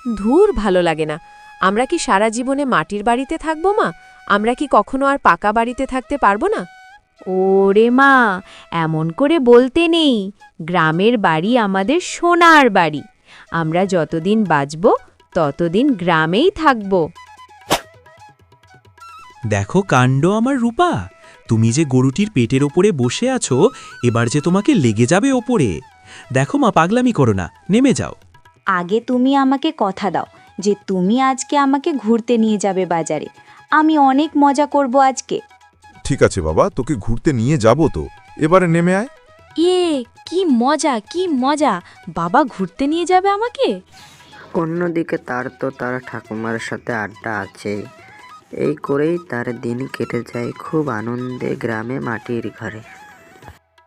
ধুর, ভালো লাগে না। আমরা কি সারা জীবনে মাটির বাড়িতে থাকবো মা? আমরা কি কখনো আর পাকা বাড়িতে থাকতে পারবো না? ওরে মা, এমন করে বলতে নেই। গ্রামের বাড়ি আমাদের সোনার বাড়ি। আমরা যতদিন বাঁচব ততদিন গ্রামেই থাকব। দেখো কাণ্ড আমার রূপা, তুমি যে গরুটির পেটের ওপরে বসে আছো, এবার যে তোমাকে লেগে যাবে ওপরে। দেখো মা, পাগলামি করো না, নেমে যাও। আগে তুমি আমাকে কথা দাও যে তুমি আজকে আমাকে ঘুরতে নিয়ে যাবে বাজারে। আমি অনেক মজা করব আজকে। ঠিক আছে বাবা, তোকে ঘুরতে নিয়ে যাব তো, এবারে নেমে আয়। কি মজা, কি মজা! বাবা ঘুরতে নিয়ে যাবে আমাকে। অন্যদিকে তার তো তার ঠাকুমার সাথে আড্ডা আছে। এই করেই তার দিন কেটে যায় খুব আনন্দে গ্রামে মাটির ঘরে।